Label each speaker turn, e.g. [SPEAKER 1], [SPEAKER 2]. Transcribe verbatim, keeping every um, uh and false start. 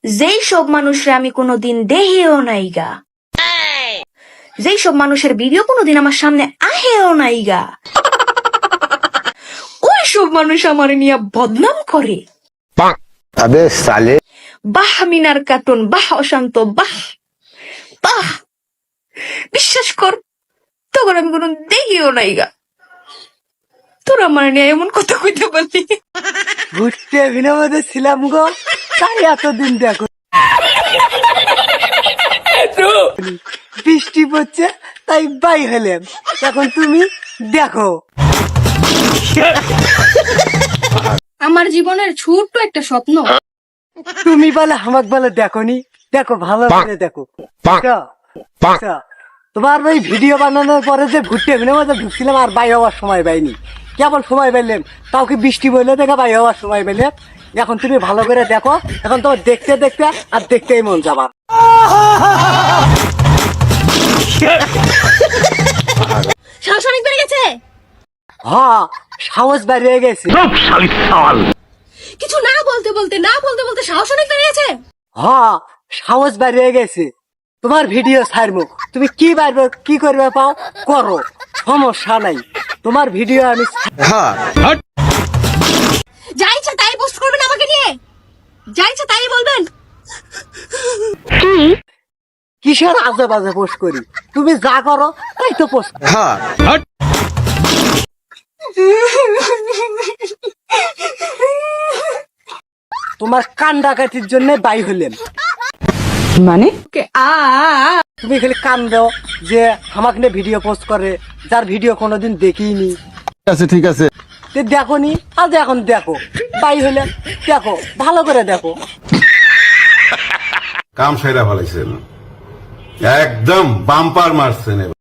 [SPEAKER 1] যেই সব মানুষরা আমি কোনোদিন দেখিও নাই গা, যেই সব মানুষের ভিডিও কোনোদিন আমার সামনে আহেও নাই গা, ওই সব মানুষ আমার নিয়ে বদনাম করে।
[SPEAKER 2] আবে সালে
[SPEAKER 1] বাহ মিনার কার্টুন, বাহ অশান্ত, বাহ বাহ। বিশ্বাস কর, তখন আমি কোনো দেখিও নাই গা, তোর আমার নিয়ে এমন কথা কইতে পারলি।
[SPEAKER 3] ঘুরতে বিনোদে ছিলাম গো, তাই এতদিন দেখো বৃষ্টি পড়ছে তাই বাই হলাম, এখন তুমি দেখো।
[SPEAKER 4] আমার জীবনের ছোট্ট একটা স্বপ্ন।
[SPEAKER 3] তুমি বলে আমাকে বলে দেখোনি, দেখো ভালো করে দেখো। আচ্ছা, আচ্ছা, তোমার ওই ভিডিও বানানোর পরে যে ঘুরতে বিনোদে ঢুকছিলাম আর বাই হওয়ার সময় পাইনি, কেবল সময় পাইলাম তাও কি বৃষ্টি বললে দেখে বাই হওয়ার সময় পাইলে। এখন তুমি ভালো করে দেখো, এখন তোমার দেখতে দেখতে আর দেখতেই মন যাবা।
[SPEAKER 4] সাহস অনেক বেড়ে গেছে।
[SPEAKER 3] হ্যাঁ, সাহস বাড়িয়ে গেছে।
[SPEAKER 4] কিছু না বলতে বলতে না বলতে বলতে সাহস অনেক বেড়ে গেছে।
[SPEAKER 3] হ্যাঁ, সাহস বাড়িয়ে গেছে। তোমার ভিডিও ছাড়বো, তুমি কি পারবে কি করবে পাও করো, সমস্যা নাই। তোমার ভিডিও আমি
[SPEAKER 4] যা ইচ্ছা তাই পোস্ট করবেন আমাকে নিয়ে, যা ইচ্ছা তাই বলবেন।
[SPEAKER 3] কিসের আজে বাজে পোস্ট করি, তুমি যা করো তাই তো পোস্ট। তোমার কান ডাকাতির জন্য বাই হলেন,
[SPEAKER 1] মানে
[SPEAKER 3] তুমি খালি কান দাও যে আমাকে নিয়ে ভিডিও পোস্ট করে, যার ভিডিও কোনোদিন দেখিনি।
[SPEAKER 2] ঠিক আছে ঠিক আছে
[SPEAKER 3] দেখো নি, আজ এখন দেখো বাই হলেন, দেখো ভালো করে দেখো।
[SPEAKER 5] কাম সেরা ফেলাইছেন, একদম বাম্পার মারছেন।